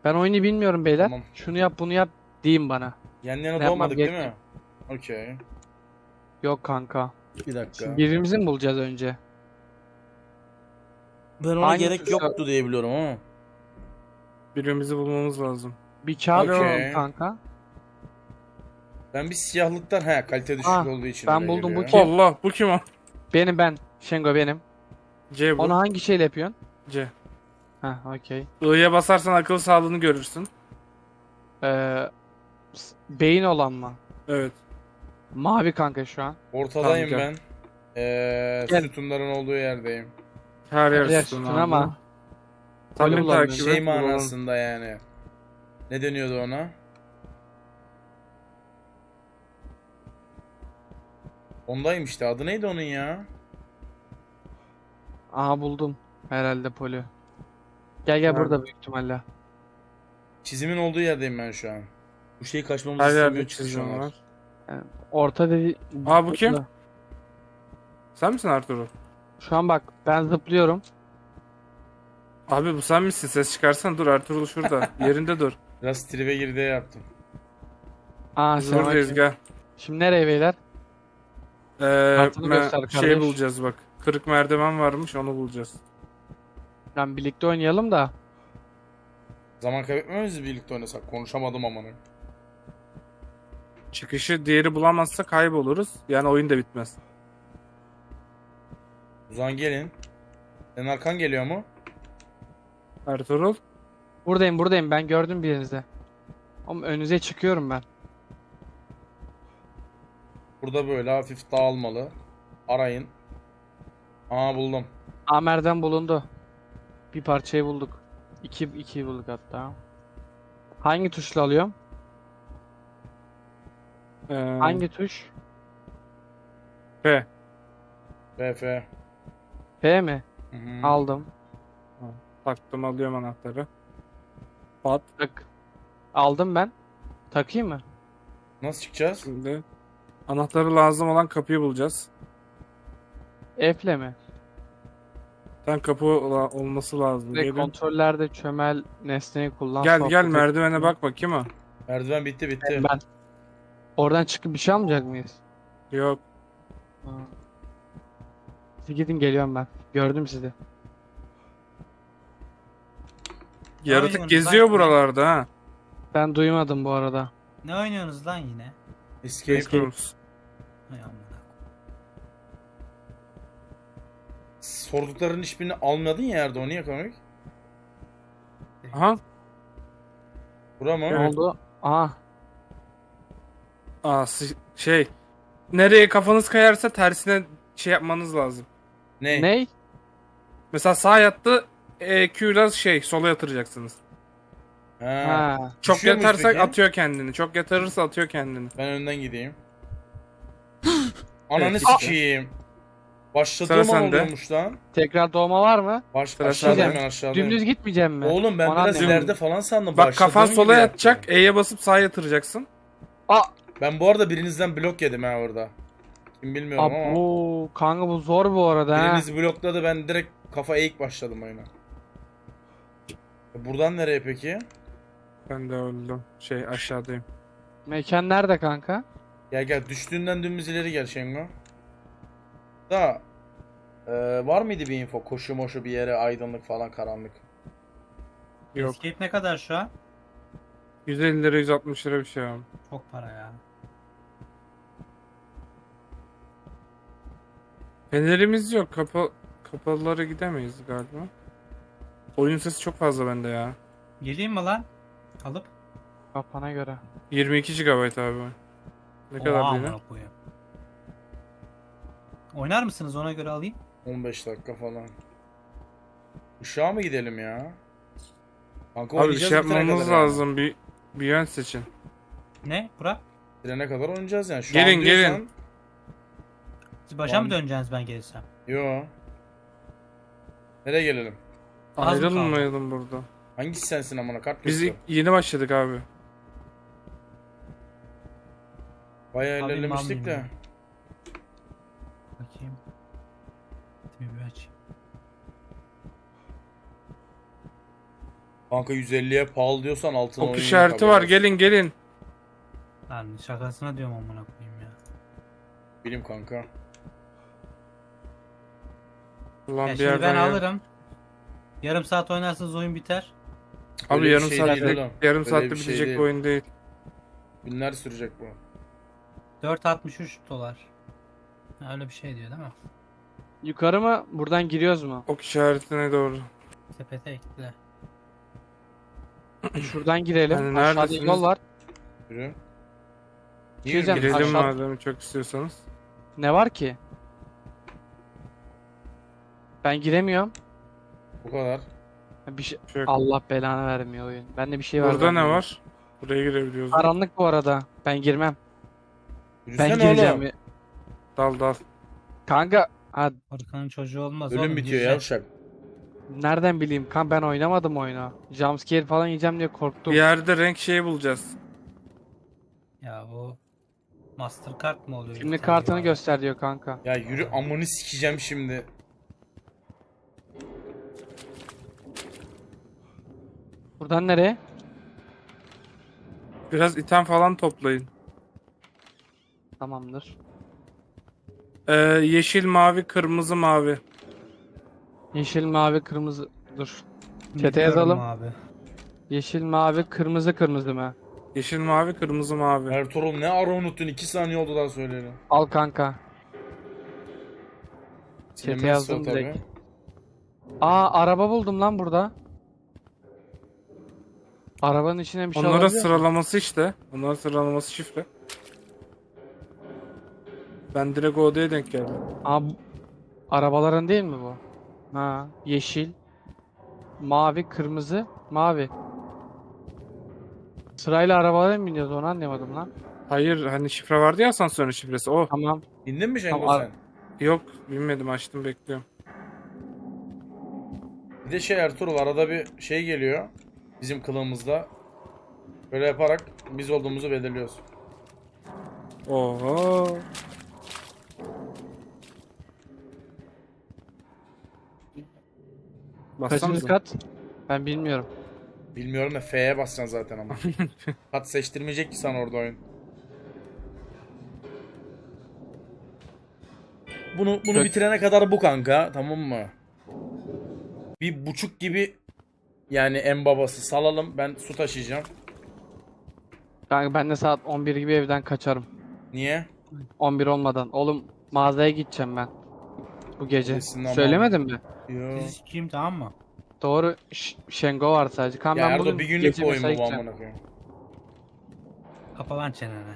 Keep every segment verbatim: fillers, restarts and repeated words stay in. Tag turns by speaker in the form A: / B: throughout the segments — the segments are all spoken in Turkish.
A: Ben oyunu bilmiyorum beyler.
B: Tamam.
A: Şunu yap bunu yap deyin bana.
B: Yan yana
A: Ne yapmam
B: doğmadık değil mi?
A: gerekiyor?
B: Okey.
A: Yok kanka.
B: Bir dakika.
A: Şimdi birbirimizi mi bulacağız önce?
B: Ben ona
A: Hangi
B: gerek
A: tuşla-
B: yoktu diye biliyorum ama.
C: Birbirimizi bulmamız lazım.
A: Bir kağıt
B: Okey.
A: bulalım kanka.
B: Ben bir siyahlıktan he kalite düşük
A: Ah,
B: olduğu için
A: ben
B: öyle
A: buldum, bu
B: geliyor.
A: kim?
C: Allah, bu kim o?
A: Benim ben. Şengo benim.
C: C bu.
A: Onu hangi şeyle yapıyorsun?
C: C.
A: Ha, okey.
C: I'ya basarsan akıl sağlığını görürsün.
A: Ee, s- beyin olan mı?
C: Evet.
A: Mavi kanka şu an.
B: Ortadayım
C: Tamam,
B: ben. Ee,
A: Gel.
B: sütunların olduğu yerdeyim.
C: Her yer
A: Yer
C: sütun
A: sütun
C: abi.
A: ama.
C: Takım
A: Volüm bulalım.
C: takibi.
B: Şey
C: bulalım.
B: manasında yani. Ne deniyordu ona? Ondayım işte. Adı neydi onun ya?
A: Aha buldum. Herhalde Poli. Gel gel
C: Nerede?
A: burada büyük ihtimalle.
B: Çizimin olduğu yerdeyim ben şu an. Bu şeyi kaçmamızı
C: Her
B: istemiyor
C: yerde
B: çünkü şu
C: çizim
B: an.
C: var.
A: Orta dedi.
C: Aa, bu kim?
A: Burada.
C: Sen misin Arturo?
A: Şu an bak ben zıplıyorum.
C: Abi bu sen misin? Ses çıkarsan dur, Ertuğrul şurada. Yerinde dur.
B: Biraz tribe girdi yaptım.
A: Aa
C: Biz
A: sen
C: buradayız,
A: bak-
C: gel.
A: Şimdi nereye beyler?
C: Ee,
A: Kartını
C: me-
A: göster
C: şey
A: kardeş.
C: bulacağız bak. Kırık merdiven varmış, onu bulacağız.
A: Lan birlikte oynayalım da.
B: Zaman kaybetmemiz birlikte oynasak. Konuşamadım amanı.
C: Çıkışı diğeri bulamazsa kayboluruz. Yani oyun da bitmez.
B: O zaman gelin. Senin arkan geliyor mu?
C: Ertuğrul.
A: Buradayım buradayım ben gördüm birinizi. Ama önünüze çıkıyorum ben.
B: Burada böyle hafif dağılmalı. Arayın. Aa buldum.
A: Amer'den bulundu. Bir parçayı bulduk. İki, ikiyi bulduk hatta. Hangi tuşla alıyorum?
C: Ee,
A: Hangi tuş?
C: P.
B: F F.
A: P mi?
B: Hı hı.
A: Aldım.
C: Taktım, alıyorum anahtarı. Pat.
A: Tak. Aldım ben. Takayım mı?
B: Nasıl çıkacağız?
C: Şimdi anahtarı lazım olan kapıyı bulacağız.
A: F'le mi?
C: Sen kapı ola- olması lazım.
A: Ve
C: Gelin.
A: kontrollerde çömel nesneyi kullan.
C: Gel
A: sohbet
C: gel
A: et.
C: merdivene bak bakayım ha.
B: Merdiven bitti bitti.
A: Ben. Oradan çıkıp bir şey almayacak mıyız?
C: Yok.
A: Ha. Siz gidin geliyorum ben. Gördüm sizi.
C: Yaratık
D: oynuyorsunuz
C: geziyor
D: lan?
C: buralarda ha.
A: Ben duymadım bu arada.
D: Ne oynuyorsunuz lan yine?
B: Escape.
C: Escape Rooms.
D: Hay amına.
B: Sorduklarının hiçbirini almadın ya Erdoğan. Niye komik?
C: Aha.
B: Bura mı?
A: Ne
C: Evet.
A: oldu? Aha.
C: Aa, si- şey. Nereye kafanız kayarsa tersine şey yapmanız lazım.
B: Ne?
A: Ney?
C: Mesela sağ yattı, E Q'la şey sola yatıracaksınız.
B: Ha.
A: Ha.
C: Çok
B: Düşüyor muyuz
C: yatarsak
B: peki?
C: atıyor kendini. Çok yatırırsa atıyor kendini.
B: Ben önden gideyim. Ananı
C: Evet,
B: sikeyim.
C: Sıra
B: Başladığım an
C: sende.
B: oluyormuş lan.
A: Tekrar doğma var mı?
B: Baş,
C: Sıra
B: aşağıdayım
C: sende.
B: ben aşağıdayım.
A: Dümdüz gitmeyeceğim mi?
B: Oğlum ben
A: Ona
B: biraz
A: anlıyorum.
B: ileride falan sandım.
C: Bak kafan
B: Başladığım
C: sola
B: gibi
C: yatacak,
B: yaptım.
C: E'ye basıp sağa yatıracaksın.
A: Aa.
B: Ben bu arada birinizden blok yedim ha orada. Kim bilmiyorum ama.
A: Abo. Kanka bu zor bu arada ha.
B: Biriniz blokladı, ben direkt kafa eğik başladım oyuna. E Buradan nereye peki?
C: Ben de öldüm. Şey aşağıdayım.
A: Mekan nerede kanka?
B: Gel gel, düştüğünden dümdüz ileri gel Şengo. Da e, var mıydı bir info? Koşu moşu bir yere, aydınlık falan, karanlık.
C: Yok.
D: Escape ne kadar şu an?
C: yüz elli lira yüz altmış lira bir şey abi.
D: Çok para ya.
C: Fenerimiz yok. Kapa kapalılara gidemeyiz galiba. Oyun sesi çok fazla bende ya.
D: Geleyim mi lan? Alıp.
A: Kafana göre.
C: yirmi iki gigabayt abi. Ne kadar
D: Oha,
C: değil?
D: amına koyayım. Oynar mısınız, ona göre alayım?
B: on beş dakika falan. Işığa mı gidelim ya? Kanka
C: Abi bir
B: oynayacağız
C: şey
B: bitirene
C: yapmamız
B: kadar yani.
C: lazım. Bir bir yön seçin.
D: Ne? Burak?
B: Bitirene kadar oynayacağız yani. Şu
C: Gelin,
B: an diyorsan...
C: gelin.
D: Siz başa
B: Tamam.
D: mı döneceksiniz ben gelirsem?
B: Yo. Nereye gelelim?
D: Az mı kaldı?
C: Ayrılmayalım burada.
B: Hangisi sensin amına, kart
C: Biz
B: göster.
C: ilk- yeni başladık abi.
B: Bayağı
D: Alayım,
B: ilerlemiştik de.
D: almayayım Bakayım. Bir bir aç.
B: Kanka yüz elliye pahalı diyorsan altın
C: Ok
B: oyun
C: işareti
B: yok
C: var.
B: abi.
C: Gelin gelin.
D: Lan şakasına diyorum amına koyayım ya.
B: Bilim kanka.
C: Ulan
D: Ya
C: bir
D: şimdi
C: yerden
D: ben
C: ya.
D: alırım. Yarım saat oynarsınız oyun biter.
C: Abi
B: Öyle bir
C: yarım
B: şey
C: saatte
B: değil oğlum.
C: yarım
B: Öyle
C: saatte
B: bir şey
C: bitecek
B: değil.
C: bir oyun değil.
B: Günler sürecek bu.
D: dört altmış üç dolar. Öyle bir şey diyor değil mi?
A: Yukarı mı? Buradan giriyoruz mu?
C: Ok işaretine doğru.
D: Sepete ekle.
A: Şuradan girelim.
C: Hani
A: Aşağıda
C: neredesiniz?
A: yol var.
B: Yürü. Niye
A: Gireceğim.
B: yürüyorsun?
C: Girelim
A: aşağı-
C: madem çok istiyorsanız.
A: Ne var ki? Ben giremiyorum.
B: Bu kadar.
A: Bir şey...
C: Bir şey yok.
A: Allah belanı vermiyor oyun. Bende bir şey var.
C: Burada ne
A: zannediyorum.
C: var? Buraya girebiliyoruz.
A: Karanlık bu arada. Ben girmem. Ben
B: Yürüsene
A: gireceğim.
B: oğlum.
C: Dal dal.
A: Kanka, ha,
D: Arkanın çocuğu olmaz
B: Ölüm
D: oğlum.
B: bitiyor
D: gireceksin.
B: yavşak.
A: nereden bileyim? Kan ben oynamadım oyunu. Jumpscare falan yiyeceğim diye korktum.
C: Bir yerde renk şeyi bulacağız.
D: Ya o Mastercard mı oluyor?
A: Şimdi
D: Bir tane
A: kartını
D: var.
A: göster diyor kanka.
B: Ya yürü amını sikeceğim şimdi.
A: Buradan nereye?
C: Biraz item falan toplayın.
A: Tamamdır.
C: Ee, yeşil, mavi, kırmızı, mavi.
A: Yeşil, mavi, kırmızı. Dur. Çete
D: Biliyorum
A: yazalım.
D: Abi.
A: Yeşil, mavi, kırmızı, kırmızı mı?
C: Yeşil, mavi, kırmızı, mavi.
B: Ertuğrul ne ara unuttun? iki saniye oldu daha söyleyeli.
A: Al kanka.
B: Silinmezse
A: yazdım
B: o tabii.
A: direkt. Aa, araba buldum lan burada. Arabanın içine bir şey
C: Onlara
A: alabiliyor muyum?
C: sıralaması işte. Onların sıralaması şifre. Ben direkt o odaya denk geldim.
A: Aa, bu- arabaların değil mi bu? Ha, yeşil, mavi, kırmızı, mavi. Sırayla arabalara mı biniyoruz onu anlamadım lan.
C: Hayır hani şifre vardı ya asansörün şifresi o.
A: Tamam.
B: İndin mi Cengo
A: Tamam,
B: sen?
C: Yok bilmedim açtım bekliyorum.
B: Bir de şey Ertuğrul arada bir şey geliyor. Bizim kılığımızda. Böyle yaparak biz olduğumuzu belirliyoruz.
C: Oho.
A: Kaçıncı
C: Bassanıza.
A: kat? Ben bilmiyorum.
B: Bilmiyorum da F'ye basacaksın zaten ama. Kat seçtirmeyecek ki sana orada oyun. Bunu bunu
C: Kaç-
B: bitirene kadar bu kanka, tamam mı? Bir buçuk gibi yani en babası salalım. Ben su taşıyacağım.
A: Kanka ben de saat on bir gibi evden kaçarım.
B: Niye?
A: on bir olmadan. Oğlum mağazaya gideceğim ben. Bu gece.
B: Kesin ama-
A: Söylemedim mi?
B: Yo.
D: Sizi sikeyim tamam mı?
A: Doğru. Ş- Şengo var sadece. Kan
B: Ya
A: ben
B: Erdo
A: bugün
B: bir günlük
A: gece
B: bu oyun
A: mesai
B: bu bu
A: gideceğim.
B: amına koyayım.
D: Kapa lan çeneni.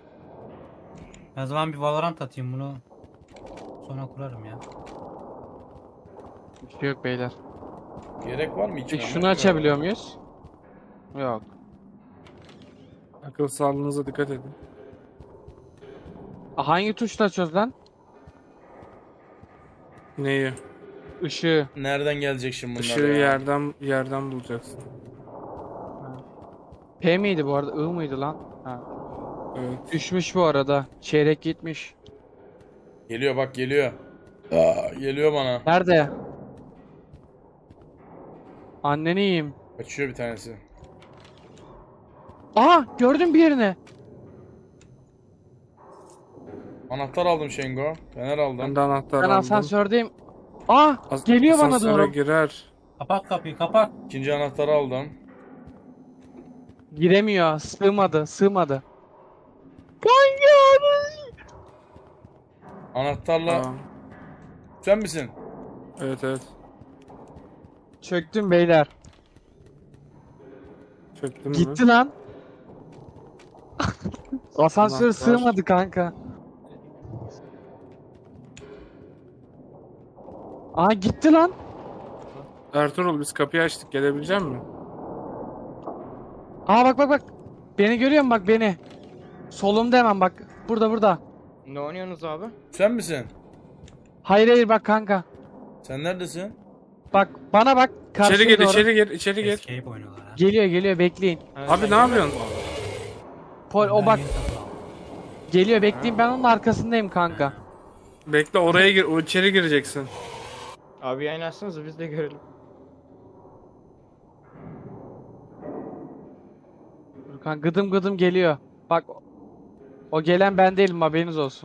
D: O zaman bir Valorant atayım bunu. Sonra kurarım ya.
A: Bir şey yok beyler.
B: Gerek var mı hiç?
A: Peki şunu açabiliyor muyuz? Yok.
C: Akıl sağlığınıza dikkat edin.
A: Aa, hangi tuşla açıyoruz lan?
C: Neyi?
A: Işığı.
B: Nereden gelecek şimdi bunlar
C: Işığı
B: ya?
C: yerden yerden bulacaksın.
A: P miydi bu arada? I mıydı lan? Ha.
C: Evet.
A: Düşmüş bu arada. Çeyrek gitmiş.
B: Geliyor bak geliyor. Aa, geliyor bana.
A: Nerede? Anneni yiyeyim.
B: Kaçıyor bir tanesi.
A: Aha gördüm bir yerini.
B: Anahtar aldım Şengo. Fener aldım.
C: Ben de anahtar
A: Ben
C: aldım.
A: asansördeyim. Aa
C: As-
A: geliyor bana
C: asansöre
A: doğru.
C: girer.
D: Kapat kapıyı kapat.
B: İkinci anahtarı aldım.
A: Giremiyor. Sığmadı. Sığmadı. Kanka.
B: Anahtarla
C: Aa,
B: sen misin?
C: evet evet.
A: Çöktüm beyler.
C: Çöktün mü?
A: Gitti lan. Asansör
C: Anahtar.
A: sığmadı kanka. Aa gitti lan.
C: Ertuğrul biz kapıyı açtık gelebilecek misin?
A: Aa bak bak bak. Beni görüyor musun bak beni. Solumda hemen bak. Burada burada.
E: Ne oynuyorsunuz abi?
B: Sen misin?
A: Hayır hayır bak kanka.
B: Sen neredesin?
A: Bak bana bak. Karşıya
C: İçeri gir,
A: doğru.
C: içeri gir, içeri gir.
D: Escape oynuyorlar ha.
A: Geliyor geliyor bekleyin.
C: Abi ne yapıyorsun?
A: Pol o
D: Ben
A: bak
D: yeni satın aldım.
A: geliyor bekleyin ben onun arkasındayım kanka.
C: Bekle oraya gir, o içeri gireceksin.
E: Abi yayın açsanız biz de görelim.
A: Kan gıdım gıdım geliyor. Bak o- o gelen ben değilim, haberiniz olsun.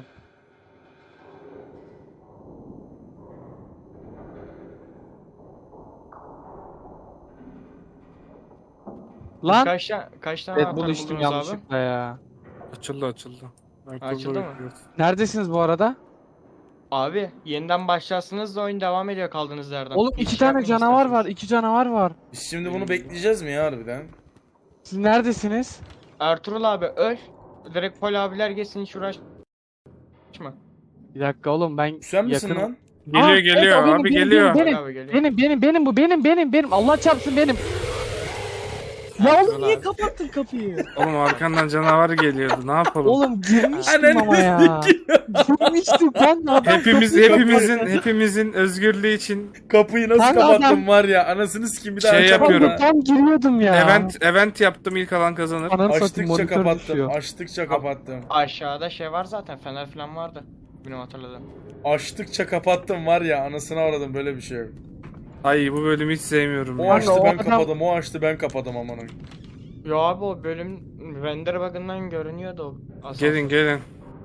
A: Lan
E: Kaç, ta- kaç tane
A: Red Bull
E: anahtar
A: içtim
E: buldunuz abi?
A: yanlışlıkla ya.
C: Açıldı açıldı. Akıllı
E: Açıldı mı?
C: bekliyoruz.
A: Neredesiniz bu arada?
E: Abi yeniden başlarsınız da oyun devam ediyor kaldığınız yerden.
A: Oğlum
E: Hiç
A: iki
E: şey
A: tane
E: yapmayın
A: canavar var,
E: isterseniz.
A: iki canavar var.
B: Biz şimdi bunu bekleyeceğiz mi ya harbiden?
A: Siz neredesiniz?
E: Ertuğrul abi öl. Direkt Pol abiler geçsin hiç uğraşma.
A: Bir dakika oğlum, ben
B: Sen misin
A: yakınım.
B: lan?
C: Geliyor
A: Aa,
C: geliyor
A: evet, o benim,
C: abi
A: benim,
C: geliyor.
A: benim,
E: Pol abi geliyor.
A: Benim benim benim bu benim benim benim Allah çarpsın benim. Ya
E: Ertuğrul
A: oğlum niye
E: abi.
A: kapattın kapıyı?
C: Oğlum arkandan canavar geliyordu. Ne yapalım?
A: Oğlum girmiştim
B: Ananı
A: ama ya. Girmiştim ben de adam
C: Hepimiz
A: kapıyı
C: hepimizin
A: kapattı.
C: hepimizin özgürlüğü için
B: Kapıyı nasıl
A: Ben de
B: kapattım
A: adam-
B: var ya, anasını sikeyim bir daha
C: Şey
B: açamam
C: yapıyorum.
B: ha.
A: Tam giriyordum ya.
C: event event yaptım, ilk alan kazanır.
A: Ananı satayım,
B: Açtıkça
A: monitör
B: kapattım,
A: düşüyor.
B: açtıkça kapattım.
E: Aşağıda şey var zaten fener falan vardı. Benim hatırladığım.
B: Açtıkça kapattım var ya, anasını aradım, böyle bir şey yok.
C: Ay bu bölümü hiç sevmiyorum
B: O
C: ya.
B: açtı
A: o
B: ben
A: adam-
B: kapadım, o açtı ben kapadım amanın.
E: Yo abi o bölüm render bug'ından görünüyordu o. asansör.
C: Gelin gelin.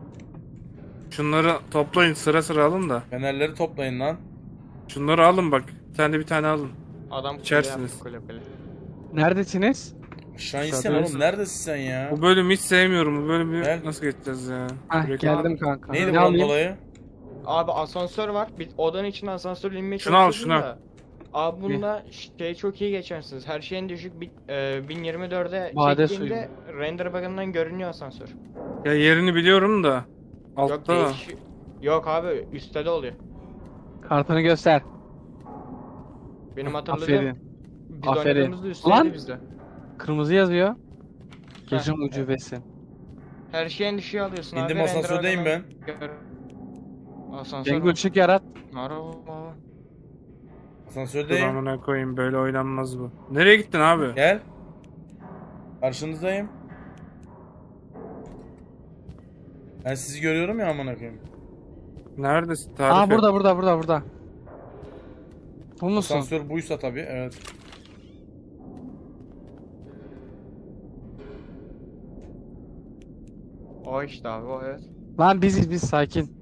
C: Şunları toplayın, sıra sıra alın da.
B: Fenerleri toplayın lan.
C: Şunları alın bak. Bir tane bir tane alın.
E: Adam kule
C: İçersiniz.
E: yaptı, kule kule.
A: Neredesiniz?
B: Aşağı insene
C: Aşağıdayız.
B: oğlum, neredesin sen ya?
C: Bu bölümü hiç sevmiyorum. Bu bölümü
B: Gel.
C: nasıl geçeceğiz ya?
A: Hah
C: Direkt-
A: geldim kanka.
B: Neydi
A: Ne
B: bunun
A: alayım?
B: dolayı?
E: Abi asansör var. Bir odanın içine asansörle inmeye
C: Şunu al,
E: çalışıyordum
C: şunu.
E: da. Abi bunda şey çok iyi geçersiniz. Her şeyin düşük bir, e, bin yirmi dörde
A: Bade
E: çektiğinde render bug'ından görünüyor asansör.
C: Ya yerini biliyorum da.
E: Yok
C: Altta da.
E: değiş- Yok abi üstte de oluyor.
A: Kartını göster.
E: Benim hatırladığım
A: Aferin.
E: biz
A: Aferin.
E: oynadığımızda üstteydi
A: Lan!
E: bizde.
A: Kırmızı yazıyor. Gece ucubesi.
E: Her şeyin düşüğü alıyorsun abi.
B: İndim,
E: render
B: asansördeyim
E: bug'ından gör- Asansör
A: Cengo
E: mü?
A: ışık yarat.
E: Merhaba.
C: Dur
B: Asansördeyim.
C: amına koyayım, böyle oynanmaz bu. Nereye gittin abi?
B: Gel. Karşınızdayım. Ben sizi görüyorum ya amına koyayım.
C: Neredesin? Tarif
A: Aa
C: et.
A: burada burada burada burada. Bu musun?
B: Asansör buysa tabii, evet.
E: O işte abi o evet.
A: Lan biziz biz, sakin.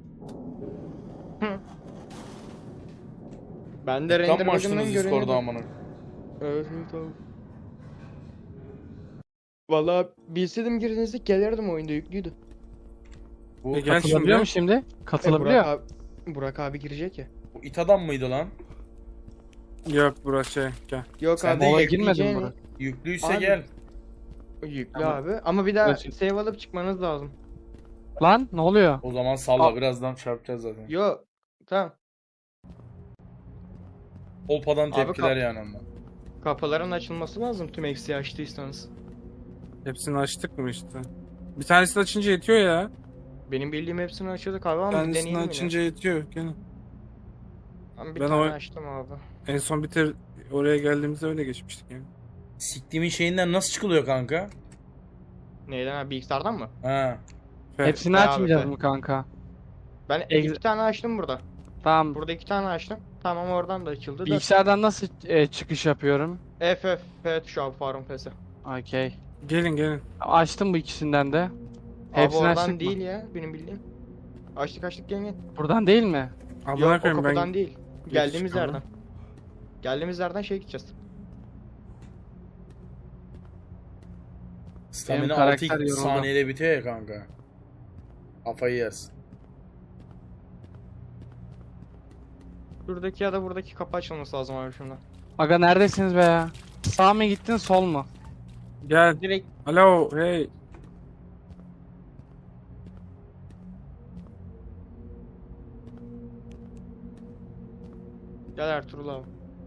E: Ben de
B: Tam
E: render
B: mı açtınız
E: bug'ından
B: Discord'u
E: görünüyordu.
B: amına?
E: Evet evet abi. Valla bilseydim girdiğinizde gelirdim, oyunda yüklüydü.
B: Bu,
C: E, gel
A: Katılabiliyor mu
C: şimdi.
A: şimdi?
E: E,
A: Katılabiliyor.
E: Burak abi, Burak abi girecek ya.
B: bu it adam mıydı lan?
C: Yok burası şey. Gel.
E: Yok
B: Sen
E: abi
B: de
A: Mola
E: yükleyeceğin-
A: girmedin mi Burak?
B: Yüklüyse
E: Abi.
B: gel.
E: Yüklü
A: Tamam.
E: abi ama bir daha
A: Görüşürüz.
E: save alıp çıkmanız lazım.
A: Lan ne oluyor?
B: O zaman salla,
A: Aa.
B: birazdan çarpacağız zaten.
E: Yo tamam.
B: Olpadan
E: Abi
B: tepkiler
E: kap-
B: yani ondan.
E: Kapıların açılması lazım tüm eksiği açtıysanız.
C: Hepsini açtık mı işte? Bir tanesini açınca yetiyor ya.
E: Benim bildiğim hepsini açıyorduk abi
C: Bir
E: ama bir
C: tanesini
E: deneyelim yine.
C: açınca yetiyor. Gel.
E: Ben bir
C: Ben
E: tane
C: o-
E: açtım abi.
C: En son bitir oraya geldiğimizde öyle geçmiştik yani.
B: Siktiğimin şeyinden nasıl çıkılıyor kanka?
E: Neyden abi, bilgisayardan mı?
B: Ha.
C: Fe-
A: Hepsini
E: Be abi,
A: açmayacağız
E: be.
A: mı kanka?
E: Ben
A: Ex-
E: iki tane açtım burada.
A: Tamam.
E: Burada iki tane açtım. Tamam oradan da açıldı da.
A: Bilgisayardan nasıl e, çıkış yapıyorum?
E: F F F tuşu abi, Farm F'si.
A: Okey.
C: Gelin gelin.
A: Açtım bu ikisinden de.
E: Abi
A: Hepsini açtık
E: oradan
A: mı?
E: değil ya benim bildiğim. Açtık açtık gel gel.
A: Buradan değil mi?
C: Amına
E: Yok o
C: koyayım
E: kapıdan
C: ben.
E: değil. Geldiğimiz
C: çıkalım.
E: yerden. Geldiğimiz yerden şey gideceğiz.
B: Stamina
A: karakter
B: altı
A: yoruldu.
B: saniyede bitiyor ya kanka. Kafayı yersin.
E: Şuradaki ya da buradaki kapı açılması lazım abi şimdi.
A: Aga neredesiniz be ya? Sağ mı gittin, sol mu?
C: Gel.
E: Direkt
C: Alo hey.
E: gel Ertuğrul abi.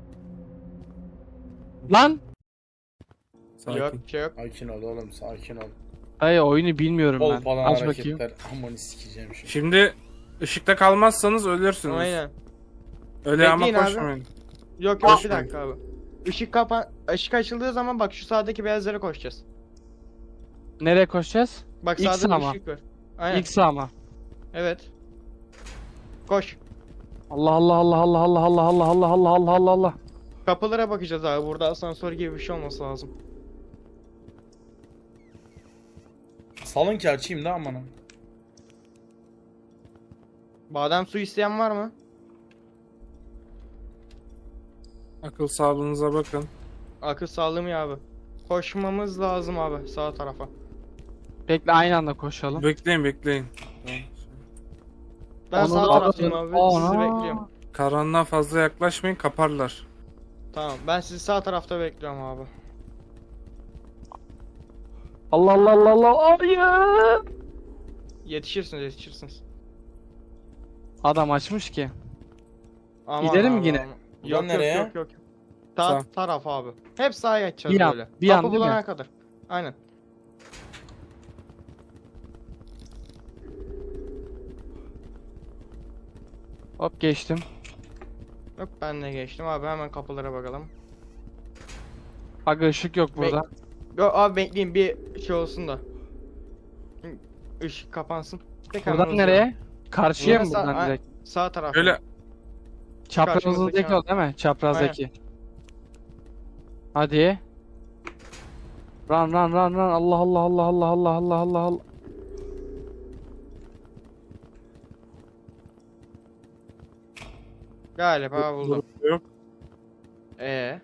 A: Lan!
C: Sakin.
E: Yok şey yok.
B: Sakin ol oğlum, sakin ol.
A: Ay oyunu bilmiyorum ben.
B: Olpadan
A: Aç bakayım.
B: hareketler. Amanı sikeceğim şimdi.
C: Şimdi ışıkta kalmazsanız ölürsünüz.
E: Aynen.
C: Öyle ama
E: Bekleyin abi.
C: koşmayın.
E: Yok yok bir
C: Koşmayın.
E: dakika abi. Işık kapa ışık açıldığı zaman bak şu sağdaki beyazlara koşacağız.
A: Nereye koşacağız?
E: Bak
A: İlk
E: sağda bir
A: sağ mı?
E: ışık var. Aynen.
A: İlk sağ mı?
E: Evet. Koş.
A: Allah Allah Allah Allah Allah Allah Allah Allah Allah Allah Allah Allah.
E: Kapılara bakacağız abi. Burada asansör gibi bir şey olması lazım.
B: salın ki açayım da amanın.
E: Badem suyu isteyen var mı?
C: Akıl sağlığınıza bakın.
E: Akıl sağlığı mı ya abi? Koşmamız lazım abi sağ tarafa.
A: Bekle aynı anda koşalım.
C: Bekleyin bekleyin.
E: Ben
A: Onu
E: sağ
A: da-
E: taraftayım abi.
A: Ana.
E: Sizi bekliyorum.
C: Karanlığa fazla yaklaşmayın, kaparlar.
E: Tamam ben sizi sağ tarafta bekliyorum abi.
A: Allah Allah Allah Allah. Hayır.
E: Yetişirsiniz yetişirsiniz.
A: Adam açmış ki.
E: Aman
A: Gidelim
E: abi,
A: yine.
E: aman.
B: Buradan
E: Yok,
B: nereye?
E: yok yok yok. Sağ
C: Sağ.
E: taraf abi. Hep sağa geçeceğiz
A: Bir an,
E: böyle.
A: bir an
E: Kapı
A: değil mi?
E: bulana kadar. Aynen.
A: Hop geçtim.
E: Yok ben de geçtim abi hemen kapılara bakalım.
A: Aga ışık yok burada.
E: Yok abi bekleyin bir şey olsun da. Işık kapansın. Tekrar
A: Buradan
E: uzuyorum.
A: nereye? Karşıya
E: Buradan
A: mı
E: sağ-
A: buradan
E: ay-
A: direkt?
E: Sağ taraf.
C: Öyle
A: Çaprazımızdaki
E: karşımızdaki
A: o değil mi? Çaprazdaki. Hadi. Run run run run. Allah Allah Allah Allah Allah Allah Allah Allah.
E: Galiba buldum.
C: yok.
E: Ee.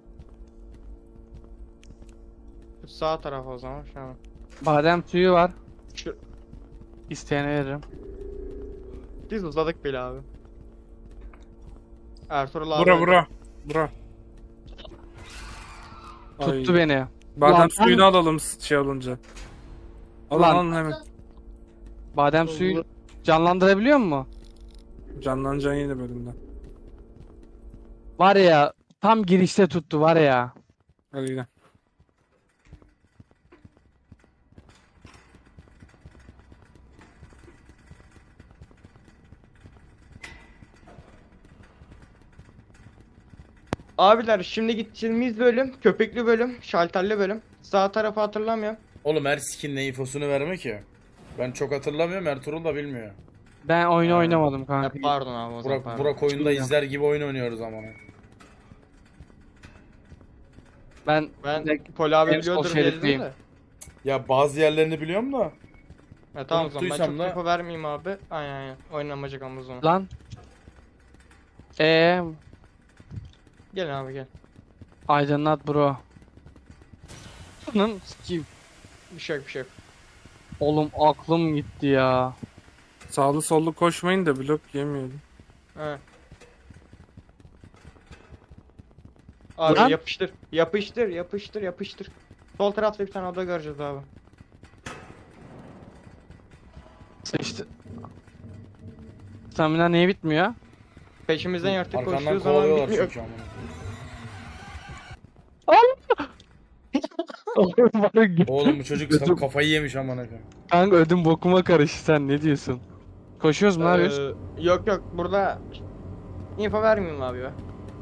E: Şu sağ taraf o zaman şu an.
A: Badem suyu var.
E: Şu
A: İsteyene veririm.
E: biz uzadık bile abi. Ertuğrul abi.
C: Bura bura. Bura.
A: Tuttu
C: Ay.
A: beni.
C: Badem
A: Lan,
C: suyunu alalım şey olunca. Alın
A: Lan.
C: alın hemen.
A: Badem suyu canlandırabiliyor mu?
C: Canlanacaksın yeni bölümde.
A: Var ya tam girişte tuttu var ya.
C: Hadi gidelim.
E: Abiler şimdi gideceğimiz bölüm köpekli bölüm, şalterli bölüm. Sağ tarafı hatırlamıyorum.
B: Oğlum her skin ne infosunu verme ki. Ben çok hatırlamıyorum, Ertuğrul da bilmiyor.
A: Ben oyunu
E: Ha.
A: oynamadım
E: Ha,
A: kanka.
E: pardon abi o zaman
B: Burak,
E: pardon.
B: Burak oyunda
A: Bilmiyorum.
B: izler gibi oyun oynuyoruz ama.
A: Ben
E: Ben
A: direkt
E: Pol abi
A: en sol
E: biliyordur dedim
A: şeritteyim.
E: de.
B: Ya bazı yerlerini biliyorum da.
E: Ha, tamam o zaman ben
B: Unuttuysam
E: çok
B: da-
E: info vermeyeyim abi. Aynen aynen. Oynanmayacak ama o zaman.
A: lan. Eee
E: Gel abi gel.
A: aydınlat bro. Anın sikeyim.
E: Bir şey yok bir şey yok.
A: Oğlum aklım gitti ya.
C: Sağlı sollu koşmayın da blok yemeyelim.
E: He. Abi
A: Lan.
E: yapıştır. Yapıştır yapıştır yapıştır. Sol tarafta bir tane oda göreceğiz abi.
A: Sıçtı. Stamina niye bitmiyor?
E: Peşimizden yırtık
B: Arkandan
E: koştuğu zaman
B: kovalıyorlar
E: bitmiyor.
B: çünkü amına. Oğlum bu çocuk
A: Gözüm-
B: kafayı yemiş amına koyayım.
A: Kanka ödüm bokuma karıştı, sen ne diyorsun? Koşuyoruz mu, ne yapıyoruz?
E: Ee, yok yok burada info vermeyeyim abi ya.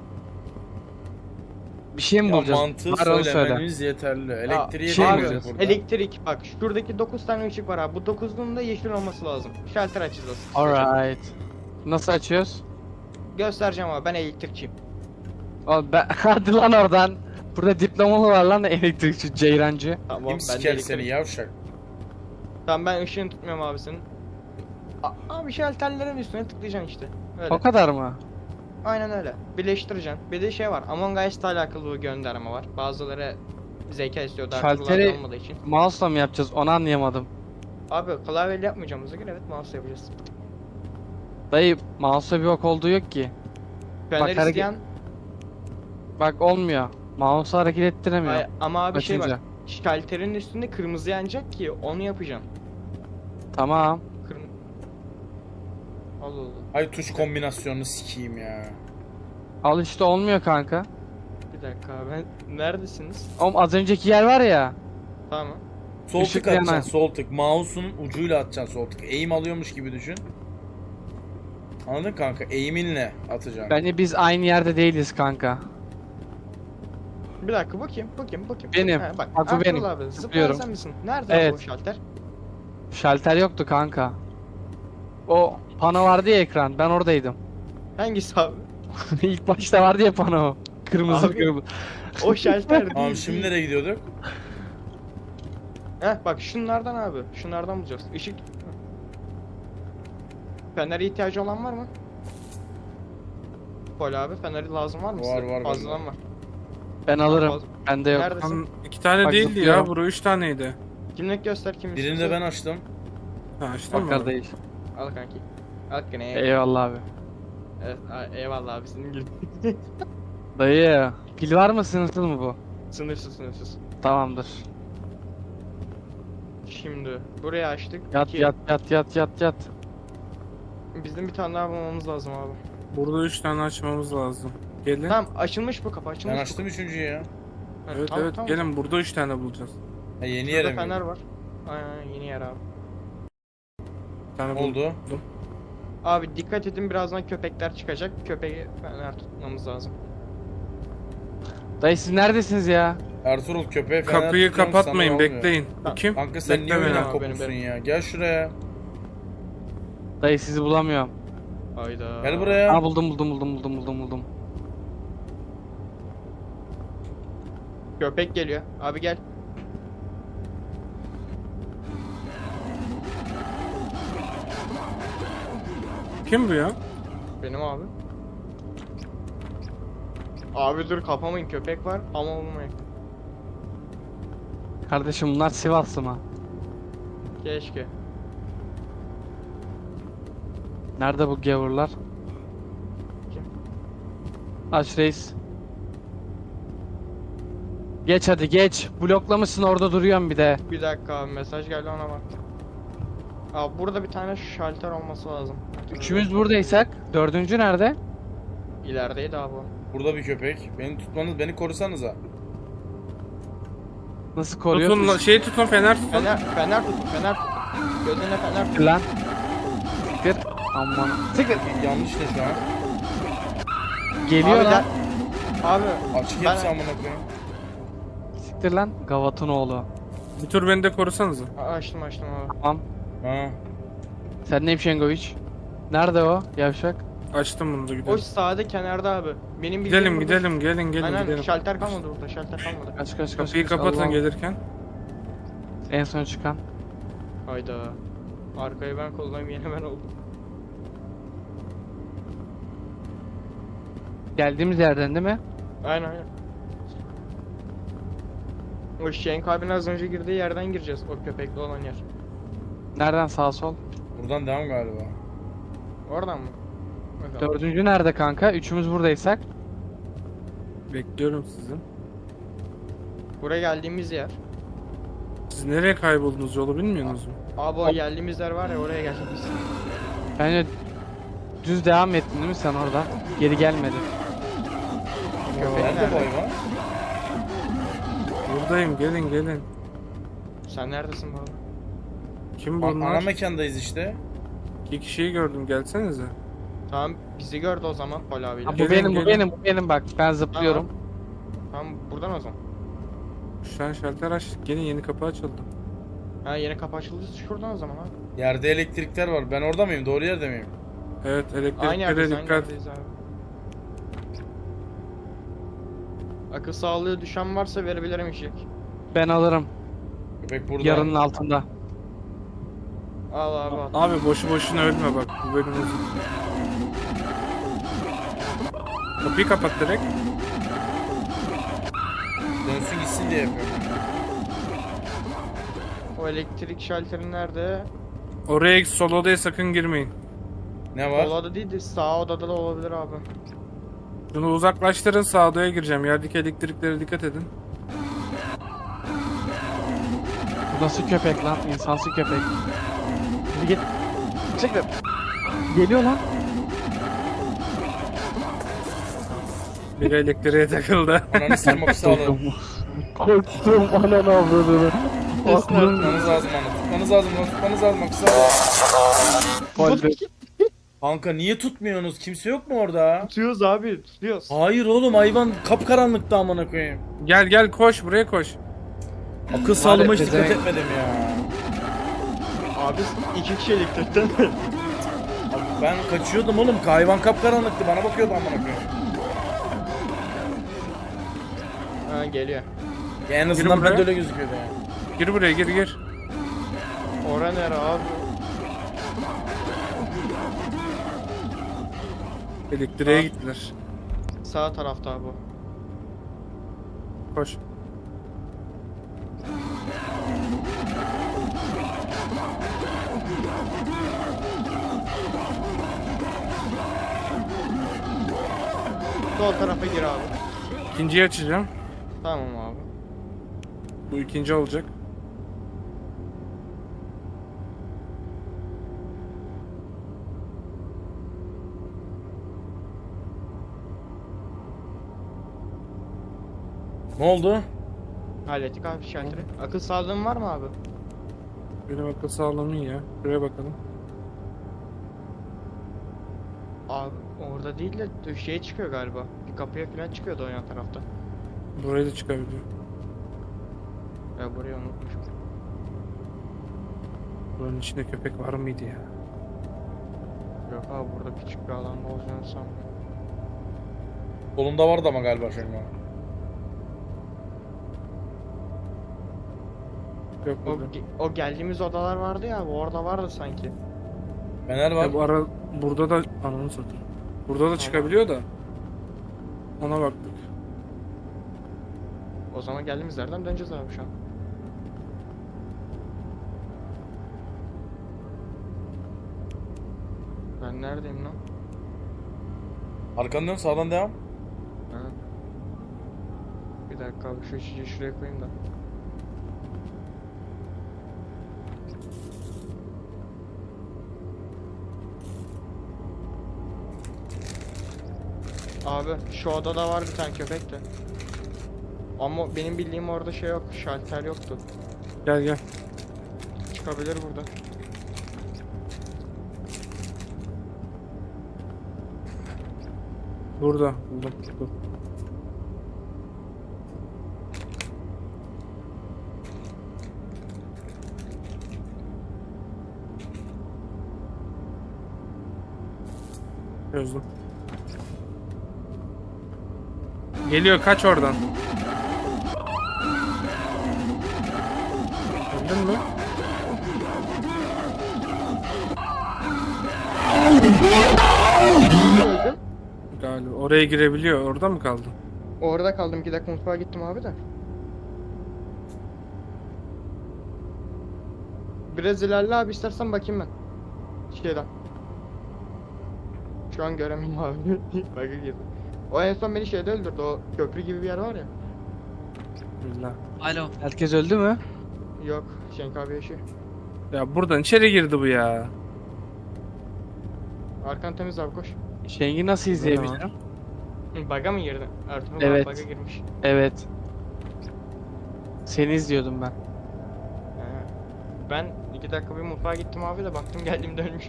A: Bir şey mi
B: Ya
A: bulacağız?
B: mantığı
A: Var onu söyle.
B: söylemeniz yeterli. Elektriği
A: şey mi
B: bulacağız
A: bulacağız?
B: burada.
E: Elektrik bak şuradaki dokuz tane ışık var abi. Bu dokuzunun da yeşil olması lazım. Şalter açacağız.
A: Alright. Nasıl açıyoruz?
E: Göstereceğim abi ben elektrikçiyim.
A: Oğlum ben... Hadi lan oradan. Burada diplomalı var lan elektrikçi, ceyrancı.
E: Tamam
B: Kim
E: ben de
B: siker
E: elektrik-
B: seni yavşak?
E: Tamam ben ışığını tutmuyorum abi senin. A- abi şalterlerin üstüne tıklayacaksın işte. Öyle.
A: O kadar mı?
E: Aynen öyle. Birleştireceksin. Bir de şey var. Among Us'la alakalı bir gönderme var. Bazıları zeka istiyor.
A: Şalteri-
E: Şalteri olmadığı için.
A: Mouse'la mı yapacağız? Onu anlayamadım.
E: Abi klavyeyle yapmayacağımıza göre evet mouse yapacağız.
A: Dayı mouse'la bir bok olduğu yok ki.
E: Fener
A: hareket-
E: isteyen
A: Bak olmuyor. Mouse'u hareket ettiremiyor.
E: Ay, ama abi şey
A: Açınca.
E: bak. Şalterin üstünde kırmızı yanacak ki onu yapacaksın.
A: Tamam.
E: Kırm... Allah Allah.
B: Ay tuş kombinasyonunu sikeyim ya.
A: Al işte olmuyor kanka.
E: Bir dakika abi. Ben... Neredesiniz?
A: Oğlum az önceki yer var ya.
E: Tamam.
B: Sol
A: Işık
B: tık atacaksın,
A: yanar.
B: sol tık. Mouse'un ucuyla atacaksın sol tık. Aim alıyormuş gibi düşün. Anladın kanka? Aim'inle atacaksın.
A: Bence biz aynı yerde değiliz kanka.
E: Bir dakika bakayım, bakayım, bakayım.
A: Benim.
E: Ha, bak,
A: Bak bu
E: Ertuğrul
A: benim.
E: Abi, zıplayan
A: Zıplıyorum.
E: sen misin? Nerede
A: Evet.
E: abi o şalter?
A: Şalter yoktu kanka. O pano vardı ya ekran. Ben oradaydım.
E: Hangisi abi?
A: İlk başta vardı ya pano. Kırmızı
E: Abi.
A: kırmızı.
E: O şalter değil.
B: Tamam şimdi
E: değil.
B: nereye gidiyorduk?
E: Heh bak şunlardan abi. Şunlardan bulacağız. Işık. Fener'e ihtiyacı olan var mı? Pol abi Fener'i lazım var mı
B: Var,
E: size?
B: var
E: Fazladan
B: bende.
E: var.
A: Ben alırım.
E: Fazla-
A: Bende yok.
E: Neredesin?
C: Tam iki tane
A: Bak,
C: değildi
A: zıplıyorum.
C: ya. Bura üç taneydi.
E: Kimlik göster kim
B: Birini de
E: istiyorsa.
B: ben açtım.
C: Ha açtın
A: Bakar
C: mı?
A: değil.
E: Al kanki. Al kanki.
A: Eyvallah abi.
E: Evet, a- eyvallah abi senin gibi.
A: Dayı. Pil var mı, sınırsız mı bu?
E: Sınırsız sınırsız.
A: Tamamdır.
E: Şimdi buraya açtık.
A: Yat
E: İki-
A: yat yat yat yat yat.
E: Bizim bir tane daha bulmamız lazım abi.
C: Burada üç tane açmamız lazım. Gelin.
E: Tamam açılmış bu kapı açılmış.
B: Ben
E: bu
B: açtım üçüncüyü ya.
E: kapı. Ha,
C: Evet
E: tamam,
C: evet
E: tamam.
C: gelin burada üç tane bulacağız.
B: Ha, yeni
E: Şurada
B: yere mi?
E: fener var. Aynen yeni yer abi.
C: Bir tane
B: Oldu.
C: buldum.
E: Abi dikkat edin birazdan köpekler çıkacak. Köpeği fener tutmamız lazım.
A: Dayı siz neredesiniz ya?
B: Ertuğrul köpeğe fener
C: Kapıyı
B: tutuyorum,
C: kapatmayın
B: sana olmuyor.
C: bekleyin. Bu kim?
B: Kanka sen
C: Bekle
B: niye
C: beni.
B: oyuna
E: abi, benim,
B: kopuksun
E: benim.
B: ya? Gel şuraya.
A: Dayı sizi bulamıyorum.
E: Hayda.
B: Gel buraya.
A: Aa buldum buldum buldum buldum buldum buldum.
E: Köpek geliyor. Abi gel.
C: Kim bu ya?
E: Benim abi. Abi dur kapamayın köpek var ama olmayın.
A: Kardeşim bunlar Sivaslı mı?
E: Keşke.
A: Nerede bu gavurlar?
E: Kim?
A: Aç reis. Geç hadi geç. Bloklamışsın orada duruyorum bir de.
E: Bir dakika abi mesaj geldi ona bak. Abi burada bir tane şalter olması lazım.
A: Üçümüz buradaysak dördüncü nerede?
E: İlerideydi abi o.
B: Burada bir köpek. Beni tutmanız, beni korusanıza.
A: Nasıl
C: Tutun la-
A: koruyorsun?
C: şey tutun fener tutun.
E: Fener, fener tutun fener tutun. Gözüne fener tutun.
A: Lan. Siktir. Aman. Siktir.
B: Yanlış ne şu an?
A: Geliyor
E: Abi
A: lan.
E: gel. Abi
B: Açık
E: Ben-
B: hepsi amına koyayım.
A: Siktir lan. Gavat'ın oğlu.
C: Bir tur beni de korusanıza.
E: a- açtım açtım abi.
A: Tamam.
B: Ha.
A: Sen neyim Şengoviç? Nerede o yavşak?
C: Açtım bunu da
E: O
C: gidelim.
E: sağda kenarda abi. Benim bildiğim
C: Gidelim
E: burada-
C: gidelim gelin gelin
E: Aynen
C: gidelim.
E: şalter kalmadı burada şalter kalmadı.
A: Kaç kaç kaç.
C: Kapıyı
A: kaç.
C: kapatın
A: Allah'ım.
C: gelirken.
A: En son çıkan.
E: Hayda. Arkayı ben kollayayım yine ben oldum.
A: Geldiğimiz yerden değil mi?
E: Aynen aynen. O Şenk abinin az önce girdiği yerden gireceğiz. O köpekli olan yer.
A: Nereden sağ sol?
B: Buradan devam galiba.
E: Oradan mı? O zaman.
A: Dördüncü nerede kanka? Üçümüz buradaysak.
C: Bekliyorum sizi.
E: Buraya geldiğimiz yer.
C: Siz nereye kayboldunuz yolu bilmiyorsunuz mu?
E: Abi o geldiğimiz yer var ya oraya geldik biz.
A: Bence düz devam ettin değil mi sen orada? Geri gelmedi.
E: Köpek
B: Nerede
E: nerede?
B: bu hayvan?
C: Buradayım gelin gelin.
E: Sen neredesin bu arada?
C: Kim
B: An-
C: bunlar?
B: ana mekandayız işte.
C: İki kişiyi gördüm gelsenize.
E: Tamam bizi gördü o zaman Pol abiyle.
A: Ha, bu
C: Gelin,
A: benim bu
C: gelin.
A: benim bu benim bak ben zıplıyorum.
E: Tamam buradan o zaman.
C: Şu an şalter açtık. Gelin yeni kapı açıldı.
E: Ha yeni kapı açıldı şuradan o zaman abi.
B: Yerde elektrikler var. Ben orada mıyım? Doğru yerde miyim?
C: Evet
E: Aynı
C: elektriklere
E: yerdeyiz aynı
C: dikkat.
E: yerdeyiz abi. Akıl sağlığı düşen varsa verebilirim işi.
A: Ben alırım.
B: Köpek burada.
A: Yarının altında.
E: Al abi al.
C: Abi boşu boşuna ölme bak. Bu bölüm uzun. Kapıyı kapat direkt.
B: Dönsün gitsin diye yapıyorum.
E: O elektrik şalteri nerede?
C: Oraya sol odaya sakın girmeyin.
B: Ne var?
E: Sol oda değil de sağ odada da olabilir abi.
C: Şunu uzaklaştırın sağ odaya gireceğim. Yerdeki elektriklere dikkat edin.
A: Bu nasıl köpek lan? İnsansı köpek. Hadi git. Çekil. Geliyor lan.
C: Biri elektriğe takıldı.
B: Ananı sırmak sağlığı.
A: Korktum ananı avradını. Aklım
B: Tutmanız lazım onu. Tutmanız lazım onu. Tutmanız lazım. Bak sağ
A: kolbe.
B: Kanka niye tutmuyorsunuz? Kimse yok mu orada?
E: Tutuyoruz abi tutuyoruz.
B: Hayır oğlum hayvan kapkaranlıkta amına koyayım.
C: Gel gel koş buraya koş.
B: Akıl sağlığıma hiç dikkat
A: pezevenk.
B: etmedim ya.
E: Abi iki kişi elektrikten mi?
B: Abi ben kaçıyordum oğlum. Hayvan kapkaranlıktı. Bana bakıyordu amına koyayım.
E: Ha geliyor.
B: Ya en azından
C: buraya.
B: ben de öyle gözüküyordu yani.
C: Gir buraya, gir gir.
E: Ora nere abi?
C: Elektriğe
E: Aa.
C: gittiler.
E: Sağ tarafta abi.
C: Koş.
E: Sol tarafa gir abi.
C: İkinciyi açacağım.
E: Tamam abi.
C: Bu ikinci olacak.
B: Ne oldu?
E: Hallettik abi şalteri. Akıl sağlığın var mı abi?
C: Benim akıl sağlığım iyi ya. Şuraya bakalım.
E: Abi orada değil de şeye çıkıyor galiba. Bir kapıya falan çıkıyordu o yan tarafta.
C: Buraya da çıkabiliyor.
E: Ya burayı unutmuşum.
C: Buranın içinde köpek var mıydı ya?
E: Yok abi burada küçük bir alanda olacağını sanmıyorum.
B: Solunda vardı ama galiba Şengo.
C: Yok
E: O,
C: burada.
E: ge- o geldiğimiz odalar vardı ya abi, orada vardı sanki.
B: Fener var.
C: Ya bu ara burada da ananı satayım. Burada da çıkabiliyor da. Ona baktık.
E: O zaman geldiğimiz yerden döneceğiz abi şu an. Ben neredeyim lan?
B: Arkandan dön, sağdan devam.
E: Ha. Bir dakika abi şu içeceği şuraya koyayım da. Abi şu odada var bir tane köpek de. Ama benim bildiğim orada şey yok, şalter yoktu.
C: Gel gel.
E: Çıkabilir burada.
C: Burada. Buldum. Dur. Çözdüm. Geliyor, kaç oradan. Öldün mü?
E: Öldüm.
C: Galiba. Oraya girebiliyor. Orada mı kaldın?
E: Orada kaldım, iki dakika mutfağa gittim abi de. Biraz ilerle abi, istersen bakayım ben. Şeyden. Şu an göremiyorum abi. Bug'a girdim. O en son beni şeyde öldürdü, o köprü gibi bir yer var ya.
C: Billah.
F: Alo.
A: Herkes öldü mü?
E: Yok, Şenk abi yaşıyor.
C: Ya buradan içeri girdi bu ya.
E: Arkan temiz abi, koş.
A: Şengi nasıl izleyebilirim?
E: Hı, Bug'a mı girdin? Ertuğrul
A: Evet.
E: abi bug'a girmiş.
A: Evet. Seni izliyordum ben.
E: He. Ben iki dakika bir mutfağa gittim abi de baktım geldiğimde ölmüşüm.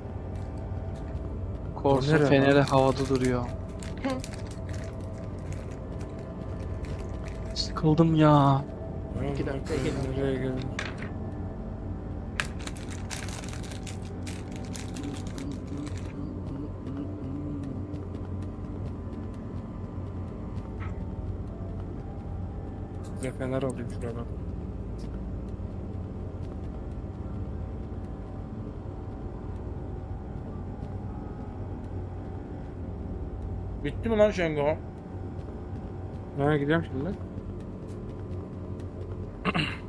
A: Korsun
C: Nereye
A: feneri
C: lan?
A: havada duruyor. Sıkıldım ya.
E: İki dakika
C: Nereye
E: gelin.
C: Nereye gelin? Size fener alayım şuradan.
B: Bitti mi lan Şengo?
C: Nereye gidiyorum şimdi?